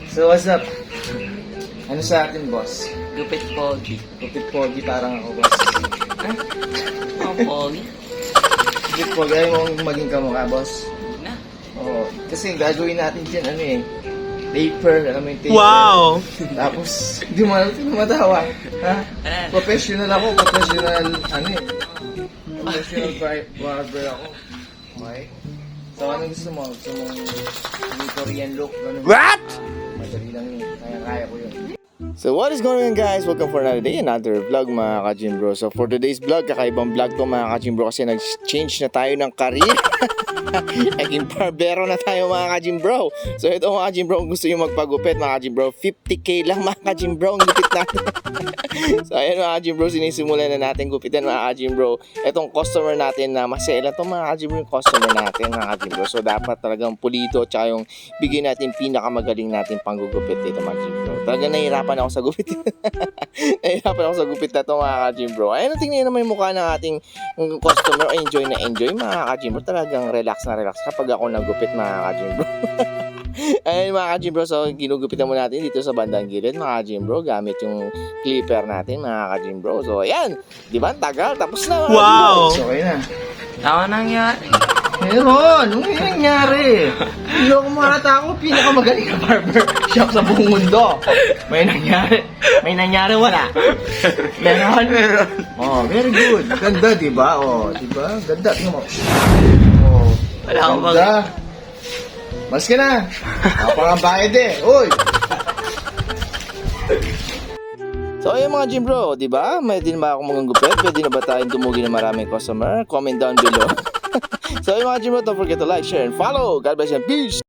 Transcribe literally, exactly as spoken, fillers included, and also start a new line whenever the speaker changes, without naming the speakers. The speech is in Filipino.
So what's up? Ano sa atin, boss?
Gupit Pogi.
Gupit pogi parang ako, boss.
Ha? Ang Pogi?
Gupit pogi, ayaw mong maging kamukha, boss.
Na.
Oo. Kasi gagawin natin dyan, ano eh. Taper, alam mo yung taper.
Wow!
Tapos, hindi mo alam, hindi mo matawa. Ha? Professional ako, professional, ano eh. Professional bar- barber ako. Okay? So, anong gusto mo? Gusto mo yung Korean look? Ganun.
What?
Madali lang yun. Kaya-kaya ko yun. So what is going on, guys? Welcome for another day, another vlog, mga ka-gym bro. So for today's vlog, kakaibang vlog to, mga ka-gym bro, kasi nag-change na tayo ng career. Naging barbero na tayo, mga ka-gym bro. So ito, mga ka-gym bro, kung gusto nyo magpagupit, mga ka-gym bro, fifty K lang, mga ka-gym bro, ang gupit natin. So ayan, mga ka-gym bro, sinisimulan na natin gupitan, mga ka-gym bro. Itong customer natin na masela to, mga ka-gym bro, yung customer natin, mga ka-gym bro. So dapat talagang pulido, tsaka yung bigay natin pinakamagaling natin panggugupit dito, mga ka-gym bro. Talagang nahihirapan ako sa gupit. Nahihirapan ako sa gupit na ito, mga ka-gym bro. Ayun, tingnan naman yung mukha ng ating customer. Enjoy na enjoy, mga ka-gym bro. Talagang relax na relax kapag ako nagupit, mga ka-gym bro. Ayun, mga ka-gym bro. So ginugupitan mo natin dito sa bandang gilid, mga ka-gym bro, gamit yung clipper natin, mga ka-gym bro. So ayan, di ba? Tagal. Tapos na, mga
Wow!
ka-gym bro. So okay na.
Tama nangyari.
Meron! Ano yung nangyari? Hindi ako makata ako, pinakamagaling na barber shop sa buong mundo. May nangyari. May nangyari, wala. Meron? Meron. Oh, very good. Ganda, di ba? Oh, di ba? Ganda. Tingnan mo. Oh,
Wala akong mag...
ganda. Mas ka na. Napakambayad eh. Uy! So ayun, mga gym bro, di ba? May din ba akong mga gupit? Pwede na ba tayong tumugi ng maraming customer? Comment down below. So ayun, mga gym bro, don't forget to like, share, and follow. God bless and peace!